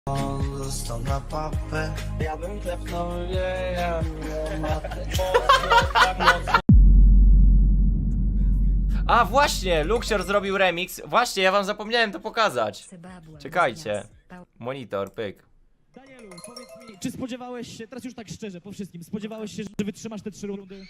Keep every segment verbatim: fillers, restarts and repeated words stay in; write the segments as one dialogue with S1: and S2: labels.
S1: Został na papę. Ja bym klepnął wieja,
S2: A właśnie, Luxior zrobił remix. Właśnie, ja wam zapomniałem to pokazać. Czekajcie. Monitor, pyk.
S3: Danielu, powiedz mi, czy spodziewałeś się, teraz już tak szczerze, po wszystkim, spodziewałeś się, że wytrzymasz te trzy rundy?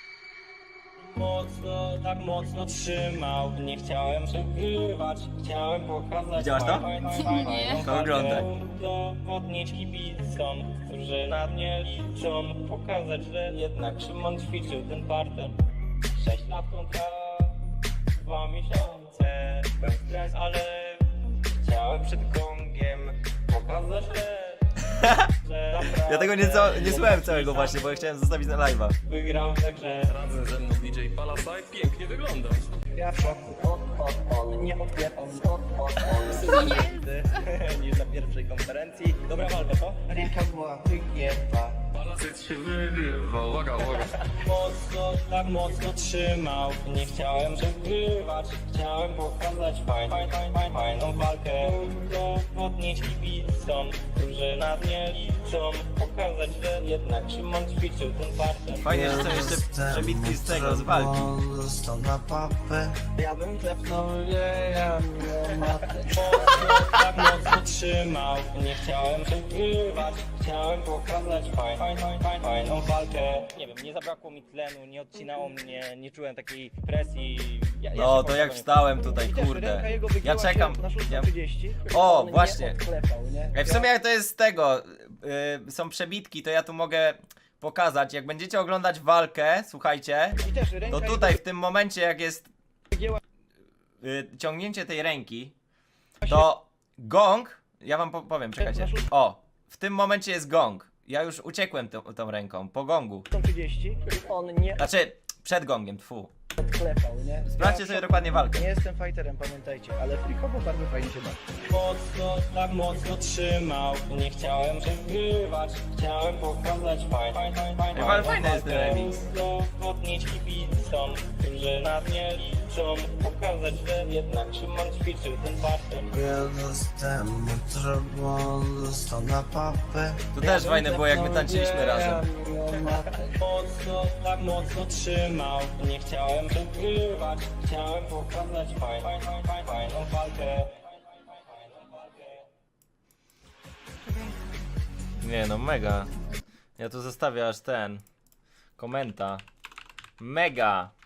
S4: Mocno, tak mocno trzymał. Nie chciałem przegrywać, chciałem pokazać.
S2: Widziałaś to?
S5: Nie.
S2: To oglądaj.
S4: Udowodnić kibicom, którzy na mnie liczą. Pokazać, że jednak Szymon ćwiczył ten parter. Sześć lat kontra, dwa miesiące. Był stres, ale chciałem przed gongiem pokazać, że
S2: Ja tego nie, ca nie słuchałem całego właśnie, bo ja chciałem zostawić na live'a.
S4: wygrał także.
S6: Razem ze mną D J Palasaj pięknie wyglądasz.
S4: Ja w szoku, on nie odbieram, on niż na pierwszej konferencji. Dobra walka, co?
S1: Ręka była wygięta.
S6: Palasaj się wygrywa. Uwaga, uwaga.
S4: Mocno, tak mocno trzymał. Nie chciałem przegrywać, chciałem pokazać fajn, fajn, fajn, fajn, fajną walkę. Udowodnić kibicom, którzy na mnie liczą. Pokazać, że jednak Szymon ćwiczył ten parter.
S2: Fajnie, że są jeszcze przebitki z tego, z walki.
S1: Został na papę. Ja bym klepnął wieja,
S4: Mocno, tak mocno trzymał. Nie chciałem przegrywać, chciałem pokazać fajn, fajn, fajn, fajn, fajną walkę. Nie wiem, nie zabrakło mi tlenu, nie odcinało mnie, nie czułem takiej presji. Ja, ja
S2: No
S4: się
S2: to jak
S4: powiem,
S2: wstałem tutaj, kurde. Ja czekam. Ja... O, właśnie. Ej, w sumie jak to jest z tego, yy, są przebitki, to ja tu mogę pokazać. Jak będziecie oglądać walkę, słuchajcie, to tutaj w tym momencie jak jest yy, ciągnięcie tej ręki, to gong, ja wam po powiem, czekajcie. O, w tym momencie jest gong. Ja już uciekłem tą, tą ręką, po gongu.
S4: trzydzieści, on nie
S2: Znaczy, przed gongiem, tfu.
S4: odklepał, nie?
S2: Sprawdźcie sobie dokładnie walkę.
S4: Nie jestem fighterem, pamiętajcie, ale frikowo bardzo fajnie się bawi. Mocno, tak mocno trzymał. Nie chciałem przegrywać, chciałem pokazać fajn, fajn, fajn, fajn.
S2: Ej, ale fajny jest ten remix.
S4: Udowodnić kibicom, którzy na mnie liczą. Pokazać, że jednak Szymon ćwiczył ten parter.
S1: Wiele z temu trudno. Został na papę.
S2: To też fajne było, jak my tańczyliśmy razem.
S4: Mocno, tak mocno trzymał. Nie chciałem przegrywać, chciałem pokazać fajn, fajn, fajn, fajn, fajną walkę.
S2: Nie no, mega. Ja tu zostawię aż ten komenta. Mega.